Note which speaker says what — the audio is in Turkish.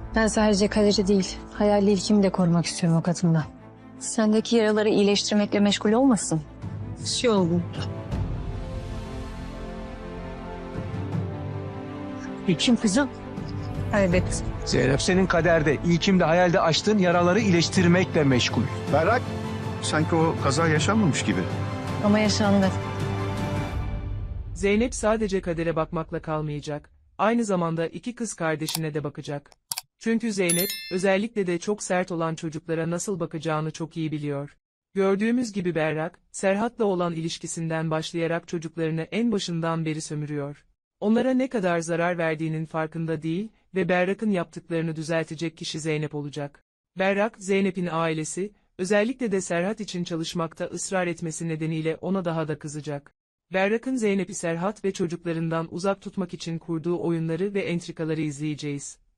Speaker 1: Ben sadece Kadir'i değil, hayali ilkimi de korumak istiyorum o kadından.
Speaker 2: Sendeki yaraları iyileştirmekle meşgul olmasın.
Speaker 1: Bir şey oldu. İlkim kızım. Evet.
Speaker 3: Zeynep senin kaderde, ilkimde, hayalde açtığın yaraları iyileştirmekle meşgul.
Speaker 4: Berrak, sanki o kaza yaşanmamış gibi.
Speaker 2: Ama yaşandı.
Speaker 5: Zeynep sadece Kader'e bakmakla kalmayacak, aynı zamanda iki kız kardeşine de bakacak. Çünkü Zeynep, özellikle de çok sert olan çocuklara nasıl bakacağını çok iyi biliyor. Gördüğümüz gibi Berrak, Serhat'la olan ilişkisinden başlayarak çocuklarını en başından beri sömürüyor. Onlara ne kadar zarar verdiğinin farkında değil ve Berrak'ın yaptıklarını düzeltecek kişi Zeynep olacak. Berrak, Zeynep'in ailesi, özellikle de Serhat için çalışmakta ısrar etmesi nedeniyle ona daha da kızacak. Berrak'ın Zeynep'i Serhat ve çocuklarından uzak tutmak için kurduğu oyunları ve entrikaları izleyeceğiz.